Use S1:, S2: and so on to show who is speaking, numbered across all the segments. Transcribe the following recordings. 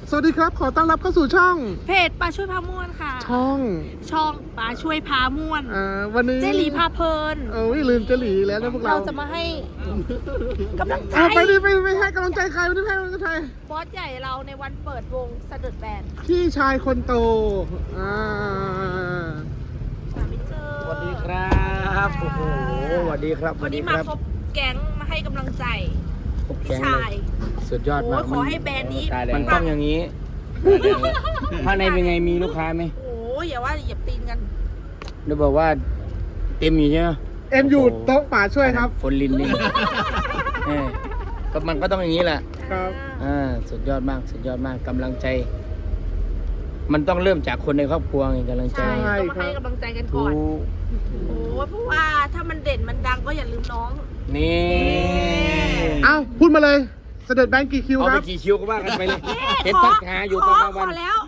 S1: สวัสดีครับขอต้อนรับเข้าสู่ช่อง
S2: เพจปลาช่วยพาม่วนค่ะ
S1: ช่อง
S2: ปลาช่วยพาม่วน
S1: วันนี้
S2: เจหลีพาเพลิน
S1: ลืมเจหลีแล้วนะพวกเรา
S2: จะมาให้กำลังใจ
S1: ไปดิไปให้กำลังใจใครไม่ได้ให้กำลังใจใคร
S2: บอสใหญ่เราในวันเปิดวงสะดุดแบน
S1: พี่ชายคนโต
S3: สวัสดีครับโอ้โหสวัสดีครับ
S2: วันนี้มาครบแก๊งมาให้กำลังใจพี่ชาย
S3: สุดยอดมาก
S2: ขอให้แบรนด์นี้
S3: มันต้องอย่างนี้ข้างในเป็นไงมีลูกค้าไหม
S2: โอ้ยอย่าว่าเหยียบตีนกัน
S3: เดี๋ยวบอกว่าเต็มอยู่ใช่ไหม
S1: เอ็มอยู่โต๊ะป่าช่วยครับ
S3: ฝนลินนี่ก็มันก็ต้องอย่างนี้แหละ
S1: ครับ
S3: สุดยอดมากสุดยอดมากกำลังใจมันต้องเริ่มจากคนในครอบครัวไงกำลังใจ
S2: ต้องมาให้กำลังใจกันก่อนโอ้เพราะว่าถ้ามันเด่นมันดังก็อย่าลืมน้อง
S3: นี่
S1: พูดมาเลยเสด็จแบงค์กี่คิวครับ
S3: เอาไปกี่คิวก็ว่ากันไปเลยเห็นทักหาอยู่ตอนกลางวัน
S2: พอแล้ว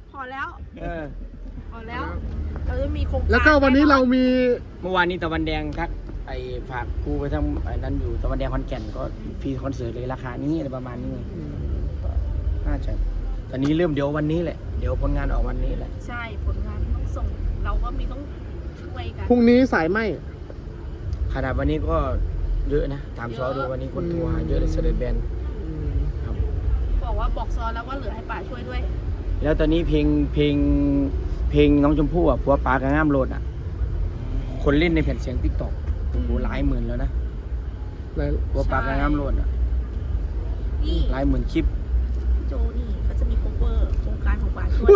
S2: เราจะมีโครงการ
S1: แล้วก็วันนี้เรามี
S3: เมื่อวานนี้ตะวันแดงทักไอ้ฝากครูไปทำไอ้นั้นอยู่ตะวันแดงคอนแก่นก็ฟรีคอนเสิร์ตเลยราคานี้อะไรประมาณนี้น่าจะตอนนี้เริ่มเดี๋ยววันนี้แหละเดี๋ยวผลงานออกวันนี้แหละ
S2: ใช่ผลงานต้องส่งเราก็มีต้องช่วยกัน
S1: พรุ่งนี้สายไหม
S3: ขนาดวันนี้ก็เยอะนะตามซอดูวันนี้คนโทรหาเยอะเลยเสด็จแบนครับ
S2: บอกซอแล้วว่าเหลือให้ป่าช่วยด้วย
S3: แล้วตอนนี้เพลงน้องชมพู่อ่ะผัวปลากระง่ามโลดอ่ะคนเล่นในแผ่นเสียงติ๊กต็อกโอ้โหหลายหมื่นแล้วนะผัวปลากระง่ามโลดอ่ะหลายหมื่นคลิป
S2: โจนี่เขาจะมีโคเวอร์โครงการของป่าช่วย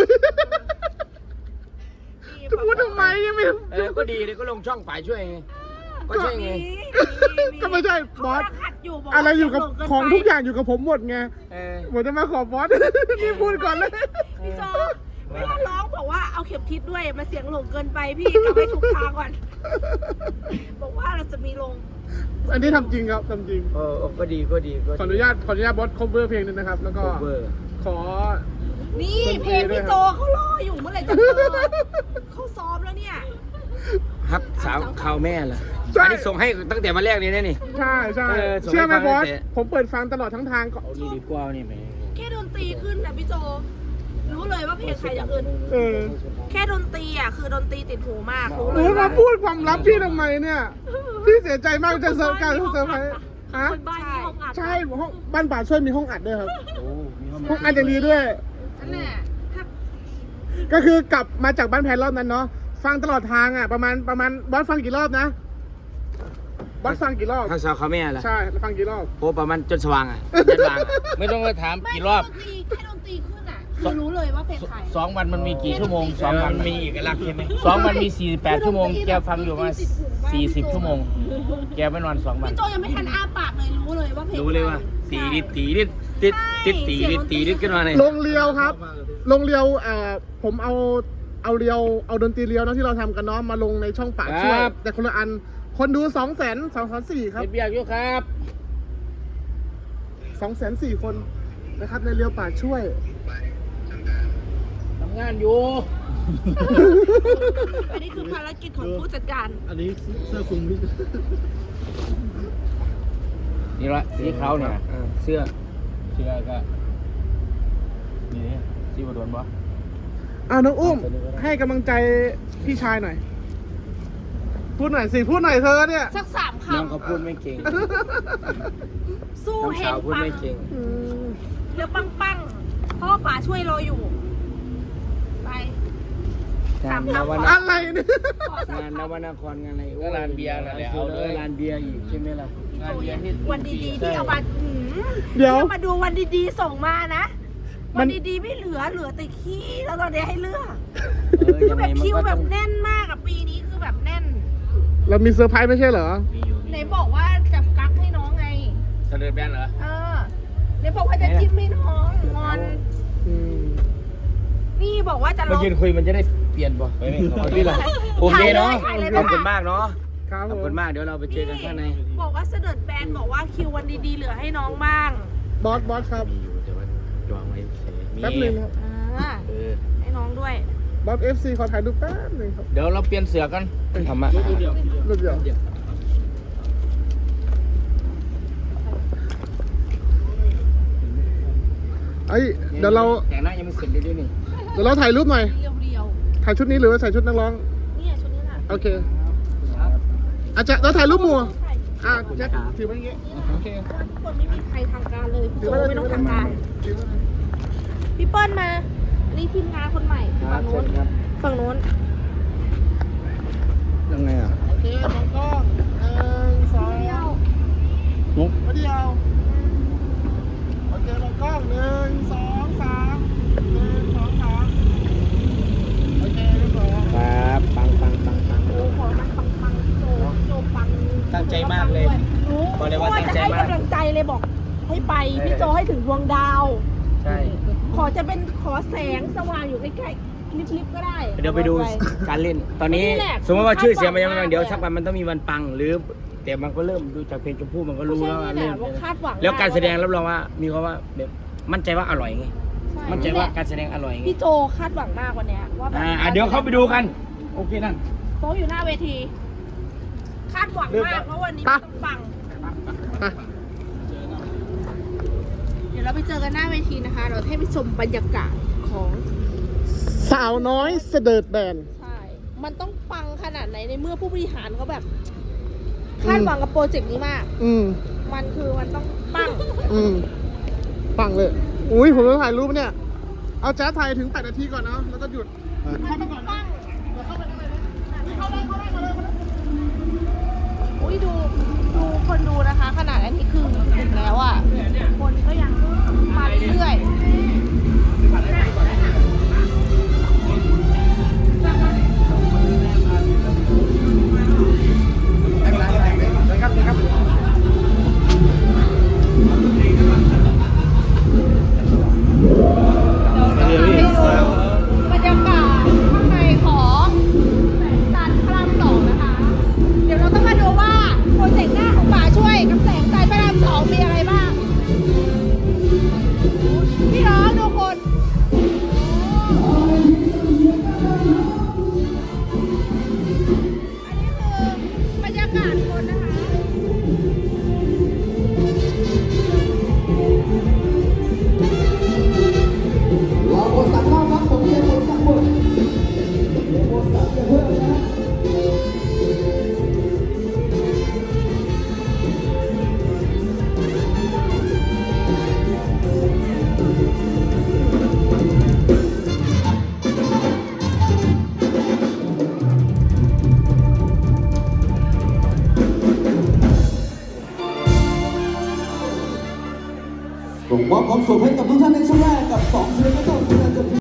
S1: จะพูดทำไมยังไม่
S3: ก็ดีเลยก็ลงช่องป่าช่วยไงก็ใช่ไง
S1: ก็ไม่ใช่บอสอะไรอยู่กับของทุกอย่างอยู่กับผมหมดไงหมดจะมาขอบอสนี่พูดก่อนเลย
S2: พี่โจไม่ต้องร้องบอกว่าเอาเข็มทิศด้วยมาเสียงหลงเกินไปพี่กลับไปถูกทางก่อนบอกว่าเราจะมีลง
S1: อันนี้ทำจริงครับทำจริง
S3: ก็ดี
S1: ขออนุญาตบอส cover เพลงนึงนะครับแล้วก็ขอ
S2: นี่เพลงพี่โจเขารออยู่เมื่อไหร่จะเปิดเขาซ้อมแล้วเนี่ย
S3: ครับสาวข่าวแม่ล่ะอันนี้ส่งให้ตั้งแต่มาแรกเลยนะนี่
S1: ใช่เชื่อไหมบอสผมเปิดฟังตลอดทั้งทางก็
S3: เอาดีกว่านี่ไหม
S2: แค่ดนตรีขึ้นนะพี่โจรู้เลยว่าเพลงใครอย่างอื่นแค่ดนตรีอ่ะคือดนตรีติดหูมากรู้เลย
S1: มาพูดความลับพี่ทำไมเนี่ยพี่เสียใจมากจะเซอร์การเซอร์ไพรส์ฮะใช่ห้องบ้านป่าช่วยมีห้องอัดด้วยครับห้องอัดอย่างดีด้วย
S2: นั่นแหละ
S1: ก็คือกลับมาจากบ้านแพนรอบนั้นเนาะฟังตลอดทางอ่ะประมาณบอสฟังกี่รอบนะบอสฟังกี่รอบ
S3: ทางสาวเขาแม่ล่ะ
S1: ใช่ฟังกี่รอบ
S3: โอ้ประมาณจนสว่างอ่ะจนสว่างไม่ต้องไปถามกี่รอบ
S2: แค่ดนตรีขึ้นอ่ะคือรู้เลยว่าเพลงใคร
S3: 2 วันมันมีกี่ชั่วโมง2 วันมีเอกลักษณ์ใช่ไหม2 วันมี48 ชั่วโมงแกฟังอยู่มา40 ชั่วโมงแกไม่นอน2 วัน
S2: พี่โจยังไม่ทันอ้าปากเลยรู้เลยว่าเพลง
S3: รู้เลยว่าตีดิดขึ้นมาเลย
S1: ลงเรียวครับลงเรียวผมเอาดนตรีเรียวนะที่เราทำกันเนาะมาลงในช่องป่าช่วยแต่คนละอันคนดู200,000 ครับ
S3: เบียกอยู่ครับ
S1: 204,000 คนนะครับในเรียวป่าช่วย
S3: ทำงานอยู่
S2: อันนี้คือภารกิจของผู้จัดการ
S1: อันนี้เสื้อคลุม
S3: นี่ละสีขาวเนี่ยเสื้อก็นี่สีบดวนบ่
S1: น้องอุ้มให้กำลังใจพี่ชายหน่อยพูดหน่อยเธอเนี่ย
S2: สัก3 คำ
S3: น้องเขาพูดไม่เก่ง
S2: สู้เห็น
S3: พูดไม่เก่ง
S2: เดี๋ยวปังพ่อป่าช่วยรออยู่ไป3 คำ
S1: อะไรเนี่ย
S3: งานนวนครงานอะไรก็ร้านเบียร์อะไรเอาเลยร้านเบียร์อีกใช่ไหมล่ะงานเบียร์ที่
S2: วันดีๆที่เอามา
S1: เดี๋ยว
S2: มาดูวันดีๆส่งมานะวันดีๆไม่เหลือแต่ขี้แล้วตอนนี้ให้เลือกคือแบบคิวแบบแน่นมากอะปีนี้คือแบบแน่น
S1: เรามีเซอร์ไพรส์ไม่ใช่เหรอ
S2: ไหนบอกว่าจะกักให้น้องไง
S3: เสด็จแบนเหรอ
S2: ไหนบอกว่าจะจิ้มให้น้องงอนนี่บอกว่าจะ
S3: ลองยืนคุยมันจะได้เปลี่ยนป่ะไปไม่ขอพี่ละโอเคเนาะขอบคุณมากเนาะขอบคุณมากเดี๋ยวเราไปเจอกันข้างใน
S2: บอกว่าเสด็จแบนบอกว่าคิววันดีๆเหลือให้น้องบ้าง
S1: บอสครับ
S3: จองไว้
S1: แป๊บนึงครับ
S2: ให้น้องด้วย
S1: บอส FC ขอถ่ายรูปแป๊บนึงครับ
S3: เดี๋ยวเราเปลี่ยนเสือกันทำมา
S1: รูปเดียวเอ้ยเดี๋ยวเรา
S3: แต่งหน้ายังไม่เสร็จเลยด้วยนี่
S1: เดี๋ยวเราถ่ายรูปหน่อย
S2: เรียว
S1: ถ่ายชุดนี้หรือว่าใส่ชุดนักร้อง
S2: ๆเนี่ยชุดนี้แหละ
S1: โอเคอาจจะเราถ่ายรูปหมู่
S2: ใช่
S1: แจ็คถือไว้อย่างงี้โอเค
S2: ทุกคนไม่มีใครทางการเลยพี่
S1: ถื
S2: โจ
S1: อไว้เลย
S2: ไม่ต้องทางการ
S1: ถือไว้เลย
S2: พี่เปิ้ลมา อันนี้ทีมงานคนใหม่
S3: ครั
S2: ฝั่
S3: บ
S2: งโน้น
S3: เชิญครับ
S2: ฝั่งโน้น
S3: ยังไงอ่ะ
S1: โอเคมองกล้อง1 2
S3: นก
S1: มาเดียวโอเคมองกล้อง1 2 3 1 2 3โอเคเรียบร้อย
S3: ครับปัง
S2: โอ้ขอมันปังๆโจปัง
S3: ตั้งใจมากเลย
S2: รู้
S3: บอกเลยว่าตั้งใจมาก
S2: จะให้กำลังใจเลยบอก ให้ไปพี่โจให้ถึงดวงดาว
S3: ใช่
S2: ขอแสงสว่างอยู่ใกล้ๆลิบๆก็ได้
S3: เดี๋ยวไปดูการเล่น ตอนนี้
S2: นี่แหละ
S3: สมมติว่าชื่อเสียงมันยังไม่
S2: คาดหวัง
S3: เดี๋ยว
S2: มาก
S3: สักวันมันต้องมีวันปัง หรือแต่มันก็เริ่มดูจากเพลงชมพู่มันก็รู้
S2: ใช่
S3: แล้วว่า
S2: นี่แห
S3: เล่น
S2: ละว่าคาดหวัง
S3: แล้วการแสดง
S2: ม
S3: รับรองว่ามีความว่าแบบมั่นใจว่าอร่อยไง
S2: ใช่
S3: มั่นใจว่าการแสดงอร่อยไง
S2: พี่โจคาดหวังมากวันเนี้ยว่าแบบ
S3: เดี๋ยวเข้าไปดูกัน โอเคนั่น
S2: โต๊ะอยู่หน้าเวที คาดหวังมากเพราะวันนี้มันต้องปัง
S1: อ่ะ
S2: เดี๋ยวเราไปเจอกันหน้าเวทีนะคะ เราให้ไปชมบรรยากาศของ
S1: สาวน้อยเสดิร์ดแบน
S2: ใช่ มันต้องปังขนาดไหนในเมื่อผู้บริหารเขาแบบ คาดหวังกับโปรเจกต์นี้มาก มันคือมันต้องปัง
S1: ปังเลย อุ้ยผมจะถ่ายรูปเนี่ย เอาแจ๊สถ่ายถึง8 นาทีก่อนนะแล้วก็หยุด
S2: มันต้องปัง
S1: เดี๋ยวเข้าไปข้างในนะเข้าได้มาเลย
S2: อุ้ยดูคนดูนะคะ ขนาดอันนี้คือถึงแล้วอ่ะ คนก็ยังมาเรื่อยบรรยากาศข้างในของจันทร์พระราม2นะคะ เดี๋ยวเราต้องมาดูว่าโปรเจกต์หน้าของป่าช่วยกับแสงจันทร์พระราม2มีอะไรบ้าง พี่น้องทุกคนอันนี้คือบรรยากาศคนนะคะ
S4: รอบทสั่งรอบครับผมเรียนบทสั่งบทเรียนบทสั่งจะเพิ่มนะผมมอบความสุขให้กับทุกท่านในช่วงแรกกับ2 ศิลปินต้น